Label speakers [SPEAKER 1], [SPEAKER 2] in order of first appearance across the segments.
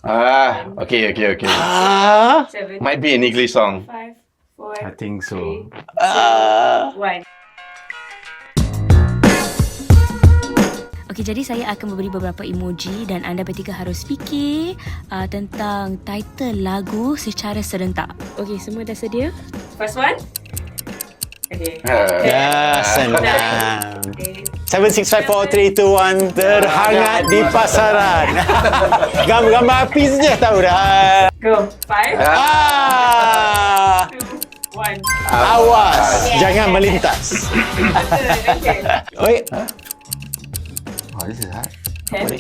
[SPEAKER 1] Okay. Might be an English song.
[SPEAKER 2] 5, 4,
[SPEAKER 3] I think so.
[SPEAKER 2] 1.
[SPEAKER 4] Okey, jadi saya akan memberi beberapa emoji dan anda bertiga harus fikir tentang title lagu secara serentak. Okey, semua dah sedia?
[SPEAKER 2] First one. Okay.
[SPEAKER 5] Ya, senang.
[SPEAKER 2] 8,
[SPEAKER 5] 7, 6, 5, 4, 3, 2, 1. Terhangat di pasaran. Gambar api saja tahu dah.
[SPEAKER 2] go. 5,
[SPEAKER 5] Ah,
[SPEAKER 2] 2, 1.
[SPEAKER 5] awas, jangan melintas.
[SPEAKER 2] Okay.
[SPEAKER 5] Oi.
[SPEAKER 3] Oh, this is hard.
[SPEAKER 2] 10,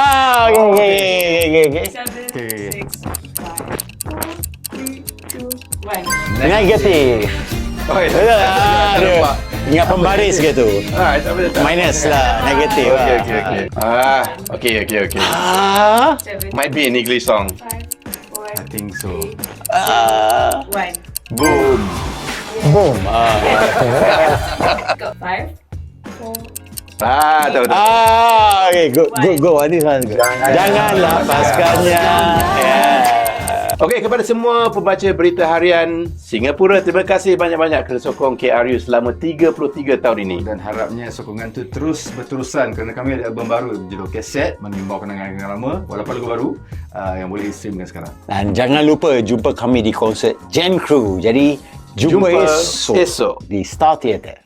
[SPEAKER 5] Okay.
[SPEAKER 2] 7, 6, 5, 4, 3, 2, 1.
[SPEAKER 5] Negatif. Betul lah.
[SPEAKER 1] Nampak.
[SPEAKER 5] Ingat pembaris ke tu?
[SPEAKER 1] Tak boleh.
[SPEAKER 5] Minus lah, negatif lah.
[SPEAKER 1] Okay.
[SPEAKER 5] Ah,
[SPEAKER 2] 7,
[SPEAKER 1] Might be an English song.
[SPEAKER 2] 5, 4,
[SPEAKER 3] I think so.
[SPEAKER 2] 1.
[SPEAKER 1] Boom.
[SPEAKER 5] boom.
[SPEAKER 2] Go. 5, 4,
[SPEAKER 1] Tahu.
[SPEAKER 5] Okay, go. Ini kan. Jangan lepaskannya. Yeah.
[SPEAKER 1] Okey, kepada semua pembaca berita harian Singapura, terima kasih banyak-banyak kerana sokong KRU selama 33 tahun ini.
[SPEAKER 3] Dan harapnya sokongan tu terus berterusan kerana kami ada album baru berjudul Kaset, membawa kenangan-kenangan lama walaupun lagu baru yang boleh streamkan sekarang.
[SPEAKER 5] Dan jangan lupa jumpa kami di konsert Gen Crew. Jadi jumpa esok
[SPEAKER 1] esok
[SPEAKER 5] di Star Theatre.